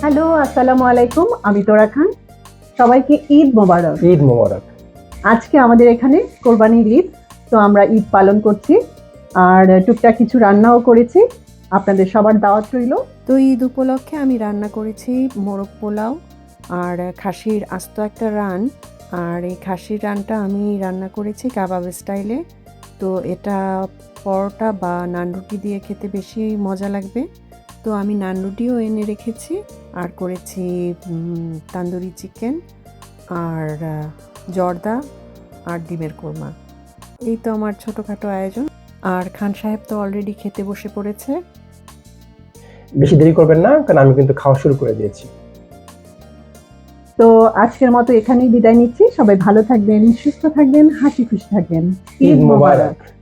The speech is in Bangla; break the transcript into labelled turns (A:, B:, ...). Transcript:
A: হ্যালো, আসসালামু আলাইকুম। আমি তোরা খান। সবাইকে ঈদ মোবারক।
B: ঈদ মোবারক।
A: আজকে আমাদের এখানে কোরবানির ঈদ। তো আমরা ঈদ পালন করছি। আর টুকটাক কিছু রান্নাও করেছি। আপনাদের সবার দাওয়াত রইল।
C: তো ঈদ উপলক্ষে আমি রান্না করেছি মোরগ পোলাও আর খাসির আস্ত একটা রান। আর এই খাসির রানটা আমি রান্না করেছি কাবাব স্টাইলে। তো এটা পরোটা বা নান রুটি দিয়ে খেতে বেশি মজা লাগবে। তো আমি নান রুটিও এনে রেখেছি আর করেছি তান্দুরি চিকেন আর জর্দা আর ডিমের কোরমা। এই তো আমার ছোটোখাটো আয়োজন। আর খান সাহেব তো অলরেডি খেতে বসে পড়েছে।
B: বেশি দেরি করবেন না, কারণ আমি কিন্তু খাওয়া শুরু করে দিয়েছি।
A: তো আজকের মতো এখানেই বিদায় নিচ্ছি। সবাই ভালো থাকবেন, সুস্থ থাকবেন, হাসি খুশি থাকবেন।
B: ঈদ মোবারক।